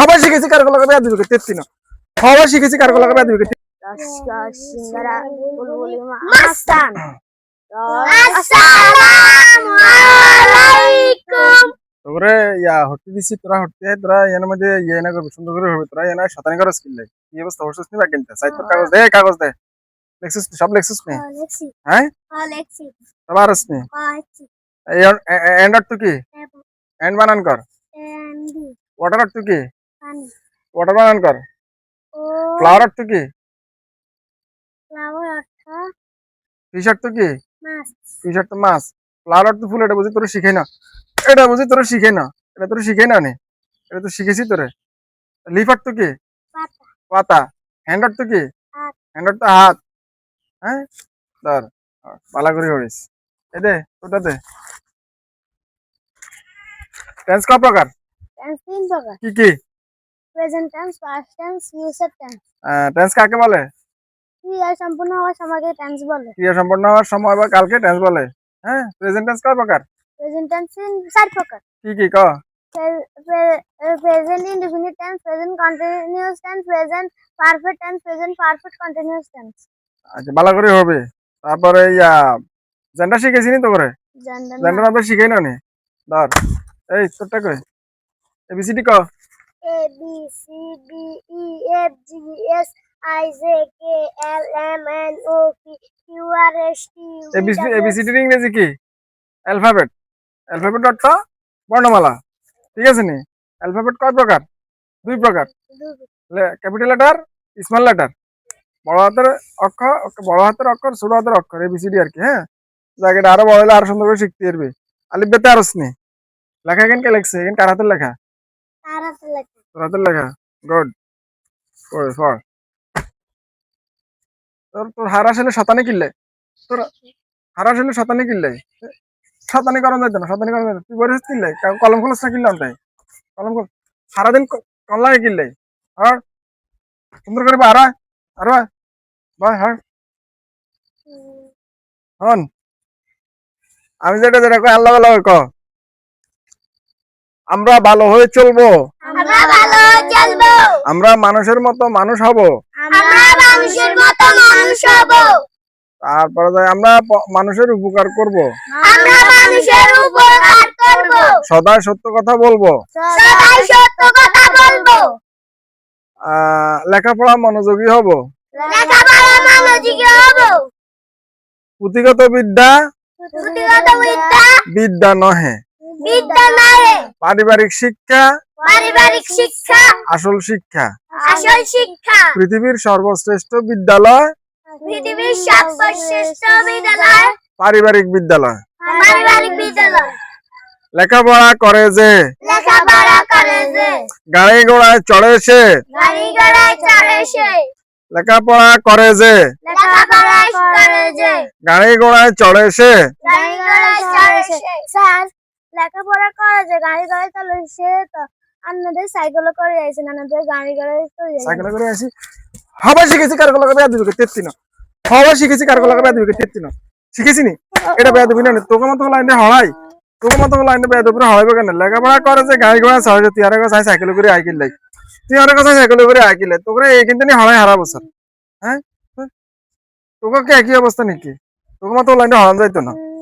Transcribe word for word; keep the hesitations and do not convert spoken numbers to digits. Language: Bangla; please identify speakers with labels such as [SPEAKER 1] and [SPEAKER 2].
[SPEAKER 1] হবা শিখেছি কার গলা বেয়া দিবে তেত্তি না হবা শিখেছি কার গলা বেয়া দিবে
[SPEAKER 2] Namaskar, Singara, Bulbuli, Mastan. Assalamualaikum.
[SPEAKER 1] তোরে ইয়া হটতে দিছি তোরা হটতে তোরা এর মধ্যে ইয়ে না করবে সুন্দর করে হবে তোরা এনা শতানি করে স্কিল লাই কি অবস্থা হর্ষস নি বাকিনটা সাইড তোর কাগজ দে কাগজ দে লেক্সিস সব লেক্সিস নে
[SPEAKER 2] Alexi.
[SPEAKER 1] হ্যাঁ
[SPEAKER 2] Alexi.
[SPEAKER 1] সবারস নে
[SPEAKER 2] Alexi.
[SPEAKER 1] এন্ড আর তুই কি এন্ড বানান কর
[SPEAKER 2] Andy.
[SPEAKER 1] ওয়াটার আর তুই কি
[SPEAKER 2] Andy.
[SPEAKER 1] ওয়াটার বানান কর
[SPEAKER 2] Oh.
[SPEAKER 1] ফ্লাওয়ার আর তুই কি
[SPEAKER 2] Flower ortho.
[SPEAKER 1] ফিশ আর তুই কি
[SPEAKER 2] Mas.
[SPEAKER 1] ফিশ আর তো মাছ ফ্লাওয়ার আর তুই ফুল এটা বুঝি তোরে শিখাই না এটা বুঝি তোরে শিখাই না এটা তোরে শিখাই না নে এটা তো শিখেছি তোরে লিফ আর তুই কি
[SPEAKER 2] Pata.
[SPEAKER 1] পাতা হ্যান্ড আর তুই কি
[SPEAKER 2] Hat.
[SPEAKER 1] হ্যান্ড আর তো হাত হ্যাঁ ধর পালা করে হরিস এই দে ওটা দে টেন্স ক প্রকার
[SPEAKER 2] Tense তিন প্রকার।
[SPEAKER 1] কি কি
[SPEAKER 2] Present tense, past tense, future tense.
[SPEAKER 1] Tense কাকে বলে
[SPEAKER 2] ক্রিয়া সম্পূর্ণ হওয়ার সময়কে টেন্স বলে।
[SPEAKER 1] ক্রিয়া সম্পন্ন হওয়ার সময় বা কালকে টেন্স বলে হ্যাঁ প্রেজেন্ট টেন্স কয় প্রকার
[SPEAKER 2] Present tense তিন চার প্রকার।
[SPEAKER 1] কি কি ক
[SPEAKER 2] Present indefinite tense, present continuous tense, present perfect tense, present perfect continuous tense.
[SPEAKER 1] আচ্ছা ভালো করে হবে তারপরে ইয়া জেন্ডার শিখেছি নি তো করে
[SPEAKER 2] Gender
[SPEAKER 1] জেন্ডার আমরা শিখাই না নি ধর এই তোরটা কই এবিসিডি ক
[SPEAKER 2] A B C D E F G H I J K L M N O P Q R S T U V
[SPEAKER 1] A B C D
[SPEAKER 2] W X
[SPEAKER 1] A B C D এর ইংরেজি কি অ্যালফাবেট অ্যালফাবেট অর্থ বর্ণমালা ঠিক আছে নি অ্যালফাবেট কয় প্রকার দুই প্রকার ক্যাপিটাল লেটার স্মল লেটার বড় হাতের অক্ষর বড় হাতের অক্ষর ছোট হাতের অক্ষর এবিসিডি আর কি হ্যাঁ জায়গাটা আরো বড় হলে আরো সুন্দর করে শিখতে পারবে আলিফ বেতে আরস নি লেখা এখান কে লেখছে এখান কার হাতের লেখা
[SPEAKER 2] তার হাতে লেখা
[SPEAKER 1] তোর হাতের লেখা গুড ওই ফর তোর তোর হার আসলে শতানি কিনলে তোর হার আসলে শতানি কিনলে শতানি করান যাইতো না শতানি করান যাইতো তুই বলিস কিনলে কলম খোলস না কিনলাম তাই কলম খোল সারাদিন কল লাগে কিনলে আর সুন্দর করে আরা আর ভাই হার হন আমি যেটা যেটা কই আল্লাহ আল্লাহ ক আমরা ভালো হয়ে চলবো
[SPEAKER 2] আমরা ভালো চলবো
[SPEAKER 1] আমরা মানুষের মতো মানুষ হব
[SPEAKER 2] আমরা মানুষের মতো মানুষ হব
[SPEAKER 1] তারপরে যাই আমরা প- মানুষের উপকার করব
[SPEAKER 2] আমরা মানুষের উপকার করব
[SPEAKER 1] সদা সত্য কথা বলবো
[SPEAKER 2] সবাই সত্য কথা বলবো
[SPEAKER 1] আহ লেখাপড়া মনোযোগী হব
[SPEAKER 2] লেখাপড়া মনোযোগী হব
[SPEAKER 1] পুঁথিগত বিদ্যা
[SPEAKER 2] পুঁথিগত বিদ্যা
[SPEAKER 1] বিদ্যা নহে
[SPEAKER 2] বিদ্যা নয়
[SPEAKER 1] পারিবারিক শিক্ষা
[SPEAKER 2] পারিবারিক শিক্ষা
[SPEAKER 1] আসল শিক্ষা
[SPEAKER 2] আসল শিক্ষা
[SPEAKER 1] পৃথিবীর সর্বশ্রেষ্ঠ বিদ্যালয়
[SPEAKER 2] পৃথিবীর সর্বশ্রেষ্ঠ বিদ্যালয়
[SPEAKER 1] পারিবারিক বিদ্যালয়
[SPEAKER 2] পারিবারিক বিদ্যালয়
[SPEAKER 1] লেখাপড়া করে যে
[SPEAKER 2] লেখাপড়া করে যে
[SPEAKER 1] গাড়ি ঘোড়ায় চড়ে সে
[SPEAKER 2] গাড়ি ঘোড়ায় চড়ে সে
[SPEAKER 1] লেখাপড়া করে যে
[SPEAKER 2] লেখাপড়া করে যে
[SPEAKER 1] গাড়ি ঘোড়ায় চড়ে সে
[SPEAKER 2] গাড়ি ঘোড়ায় চড়ে সে স্যার লেখাপড়া করে যে গাড়ি ঘোড়ায় চলে সে তো আপনাদের সাইকেল করে যাইছে না আপনাদের গাড়ি ঘোড়ায় চলে যাইছে
[SPEAKER 1] সাইকেল করে আসি হবা শিখেছি কার গলা বেয়া দিবে তেত্তি না হবা শিখেছি কার গলা বেয়া দিবে তেত্তি না শিখেছি নি এটা বেয়া দিবি না তোকে মতো লাইনে হড়াই তোকে মতো লাইনে বেয়া দিবি হড়াইবে কেন লেখাপড়া করে যে গাড়ি ঘোড়া চড়ে তুই আর কাছে সাইকেল করে আইকিল লাই তুই আর কাছে সাইকেল করে আইকিল তোকে এই কিন্তু নি হড়াই হারা বছর হ্যাঁ তোকে কি একই অবস্থা নাকি তোকে মতো লাইনে হড়ান যাইতো না